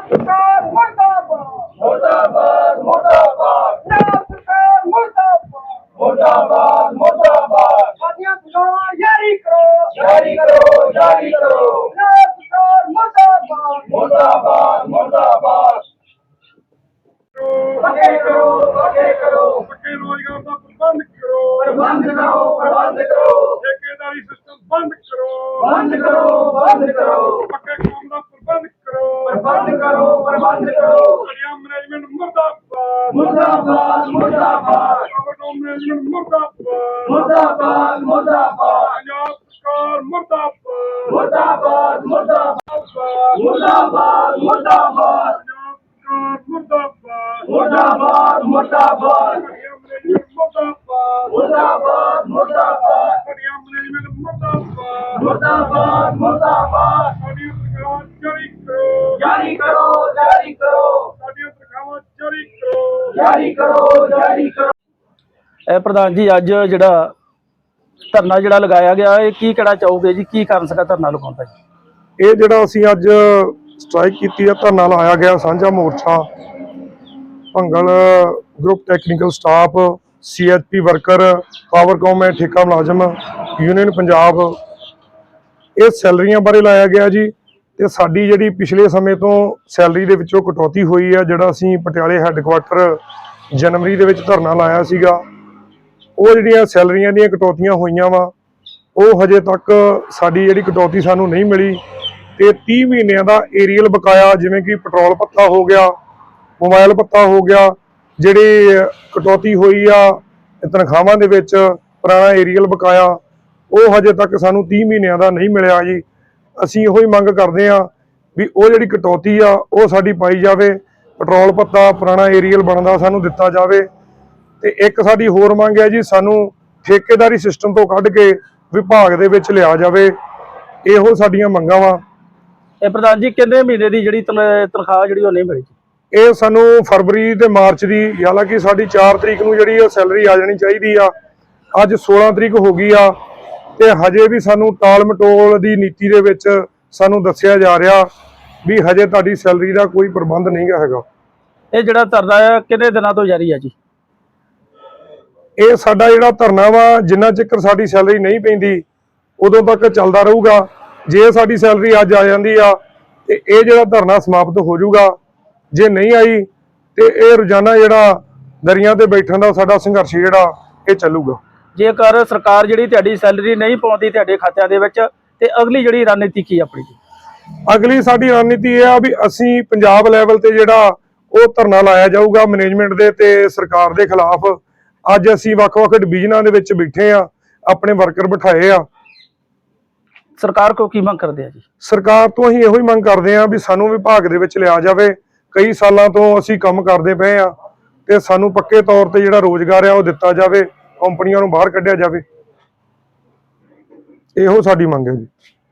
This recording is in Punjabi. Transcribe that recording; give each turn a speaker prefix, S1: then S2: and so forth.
S1: सरकार मुर्दाबाद मुर्दाबाद पंजाब सरकार मुर्दाबाद मुर्दाबाद साथियों सुनो जारी करो पंजाब सरकार मुर्दाबाद मुर्दाबाद पक्के करो पक्के रोजगार का प्रबंध करो ठेकेदारी सिस्टम बंद करो पक्के काम का प्रबंध करो बढ़िया मैनेजमेंट मुर्दाबाद ओवरटाइम मैनेजमेंट मुर्दाबाद पंजाब सरकार मुर्दाबाद जारी करो
S2: प्रधान जी अज जिहड़ा धरना जिहड़ा लगाया गया है की कहना चाहोगे जी की कारण सका धरना लगाउण दा जी
S3: ਇਹ ਜਿਹੜਾ ਅਸੀਂ ਅੱਜ ਸਟ੍ਰਾਈਕ ਕੀਤੀ ਹੈ ਧਰਨਾ ਲਾਇਆ ਗਿਆ ਸਾਂਝਾ ਮੋਰਚਾ Bhangal group technical staff CHP worker Powercom ਠੇਕਾ ਮੁਲਾਜ਼ਮ ਯੂਨੀਅਨ ਪੰਜਾਬ ਇਹ ਸੈਲਰੀਆਂ ਬਾਰੇ ਲਾਇਆ ਗਿਆ ਜੀ ਤੇ ਸਾਡੀ ਜਿਹੜੀ ਪਿਛਲੇ ਸਮੇਂ ਤੋਂ ਸੈਲਰੀ ਦੇ ਵਿੱਚੋਂ ਕਟੌਤੀ ਹੋਈ ਹੈ ਜਿਹੜਾ ਅਸੀਂ ਪਟਿਆਲੇ ਹੈੱਡਕੁਆਟਰ ਜਨਵਰੀ ਦੇ ਵਿੱਚ ਧਰਨਾ ਲਾਇਆ ਸੀਗਾ ਉਹ ਜਿਹੜੀਆਂ ਸੈਲਰੀਆਂ ਦੀਆਂ ਕਟੌਤੀਆਂ ਹੋਈਆਂ ਵਾ ਉਹ ਹਜੇ ਤੱਕ ਸਾਡੀ ਜਿਹੜੀ ਕਟੌਤੀ ਸਾਨੂੰ ਨਹੀਂ ਮਿਲੀ ਤੇ 30 ਮਹੀਨਿਆਂ ਦਾ ਏਰੀਅਲ ਬਕਾਇਆ ਜਿਵੇਂ ਕਿ ਪੈਟਰੋਲ ਭੱਤਾ ਹੋ ਗਿਆ ਮੋਬਾਈਲ ਭੱਤਾ ਹੋ ਗਿਆ ਜਿਹੜੀ ਕਟੌਤੀ ਹੋਈ ਆ ਤਨਖਾਹਾਂ ਦੇ ਵਿੱਚ ਪੁਰਾਣਾ ਏਰੀਅਲ ਬਕਾਇਆ ਉਹ ਹਜੇ ਤੱਕ ਸਾਨੂੰ 30 ਮਹੀਨਿਆਂ ਦਾ ਨਹੀਂ ਮਿਲਿਆ ਜੀ ਅਸੀਂ ਇਹੋ ਹੀ ਮੰਗ ਕਰਦੇ ਆ ਵੀ ਉਹ ਜਿਹੜੀ ਕਟੌਤੀ ਆ ਉਹ ਸਾਡੀ ਪਾਈ ਜਾਵੇ ਪੈਟਰੋਲ ਭੱਤਾ ਪੁਰਾਣਾ ਏਰੀਅਲ ਬਣਦਾ ਸਾਨੂੰ ਦਿੱਤਾ ਜਾਵੇ ਤੇ ਇੱਕ ਸਾਡੀ ਹੋਰ ਮੰਗ ਹੈ ਜੀ ਸਾਨੂੰ ਠੇਕੇਦਾਰੀ ਸਿਸਟਮ ਤੋਂ ਕੱਢ ਕੇ ਵਿਭਾਗ ਦੇ ਵਿੱਚ ਲਿਆ ਜਾਵੇ ਇਹੋ ਸਾਡੀਆਂ ਮੰਗਾਂ ਵਾ
S2: ਇਹ ਪ੍ਰਧਾਨ ਜੀ ਕਿੰਨੇ ਮਹੀਨੇ ਦੀ ਜਿਹੜੀ ਤਨਖਾਹ ਜਿਹੜੀ ਉਹ ਨਹੀਂ ਮਿਲੀ ਜੀ
S3: ਇਹ ਸਾਨੂੰ ਫਰਵਰੀ ਤੇ ਮਾਰਚ ਦੀ ਹਾਲਾਂਕਿ ਸਾਡੀ 4 ਤਰੀਕ ਨੂੰ ਜਿਹੜੀ ਉਹ ਸੈਲਰੀ ਆ ਜਾਣੀ ਚਾਹੀਦੀ ਆ ਅੱਜ 16 ਤਰੀਕ ਹੋ ਗਈ ਆ ਤੇ ਹਜੇ ਵੀ ਸਾਨੂੰ ਟਾਲ ਮਟੋਲ ਦੀ ਨੀਤੀ ਦੇ ਵਿੱਚ ਸਾਨੂੰ ਦੱਸਿਆ ਜਾ ਰਿਹਾ ਵੀ ਹਜੇ ਤੁਹਾਡੀ ਸੈਲਰੀ ਦਾ ਕੋਈ ਪ੍ਰਬੰਧ ਨਹੀਂ ਹੈਗਾ
S2: ਇਹ ਜਿਹੜਾ ਧਰਨਾ ਹੈ ਕਿੰਨੇ ਦਿਨਾਂ ਤੋਂ ਜਾਰੀ ਹੈ ਜੀ
S3: ਇਹ ਸਾਡਾ ਜਿਹੜਾ ਧਰਨਾ ਵਾ ਜਿੰਨਾ ਚਿਰ ਸਾਡੀ ਸੈਲਰੀ ਨਹੀਂ ਪੈਂਦੀ ਉਦੋਂ ਤੱਕ ਚੱਲਦਾ ਰਹੂਗਾ ਜੇ ਸਾਡੀ ਸੈਲਰੀ ਅੱਜ ਆ ਜਾਂਦੀ ਆ ਤੇ ਇਹ ਜਿਹੜਾ ਧਰਨਾ ਸਮਾਪਤ ਹੋ ਜਾਊਗਾ ਜੇ ਨਹੀਂ ਆਈ ਤੇ ਇਹ ਰੋਜ਼ਾਨਾ ਜਿਹੜਾ ਦਰਿਆ ਤੇ ਬੈਠਣ ਦਾ ਸਾਡਾ ਸੰਘਰਸ਼ ਜਿਹੜਾ ਇਹ ਚੱਲੂਗਾ
S2: ਜੇਕਰ ਸਰਕਾਰ ਜਿਹੜੀ ਤੁਹਾਡੀ ਸੈਲਰੀ ਨਹੀਂ ਪਾਉਂਦੀ ਤੁਹਾਡੇ ਖਾਤਿਆਂ ਦੇ ਵਿੱਚ ਤੇ ਅਗਲੀ ਜਿਹੜੀ ਰਣਨੀਤੀ ਕੀ ਆਪਣੀ ਜੀ
S3: ਅਗਲੀ ਸਾਡੀ ਰਣਨੀਤੀ ਇਹ ਆ ਵੀ ਅਸੀਂ ਪੰਜਾਬ ਲੈਵਲ ਤੇ ਜਿਹੜਾ ਉਹ ਧਰਨਾ ਲਾਇਆ ਜਾਊਗਾ ਮੈਨੇਜਮੈਂਟ ਦੇ ਤੇ ਸਰਕਾਰ ਦੇ ਖਿਲਾਫ ਅੱਜ ਅਸੀਂ ਵੱਖ-ਵੱਖ ਡਿਵੀਜ਼ਨਾਂ ਦੇ ਵਿੱਚ ਬੈਠੇ ਆ ਆਪਣੇ ਵਰਕਰ ਬਿਠਾਏ ਆ
S2: ਸਰਕਾਰ ਕੋ ਕੀ ਮੰਗ ਕਰਦੇ ਆ ਜੀ
S3: ਸਰਕਾਰ ਤੋਂ ਅਸੀਂ ਇਹੋ ਹੀ ਮੰਗ ਕਰਦੇ ਆ ਵੀ ਸਾਨੂੰ ਵਿਭਾਗ ਦੇ ਵਿੱਚ ਲਿਆ ਜਾਵੇ ਕਈ ਸਾਲਾਂ ਤੋਂ ਅਸੀਂ ਕੰਮ ਕਰਦੇ ਪਏ ਆ ਤੇ ਸਾਨੂੰ ਪੱਕੇ ਤੌਰ ਤੇ ਜਿਹੜਾ ਰੋਜ਼ਗਾਰ ਆ ਉਹ ਦਿੱਤਾ ਜਾਵੇ ਕੰਪਨੀਆਂ ਨੂੰ ਬਾਹਰ ਕੱਢਿਆ ਜਾਵੇ ਇਹੋ ਸਾਡੀ ਮੰਗ ਹੈ ਜੀ।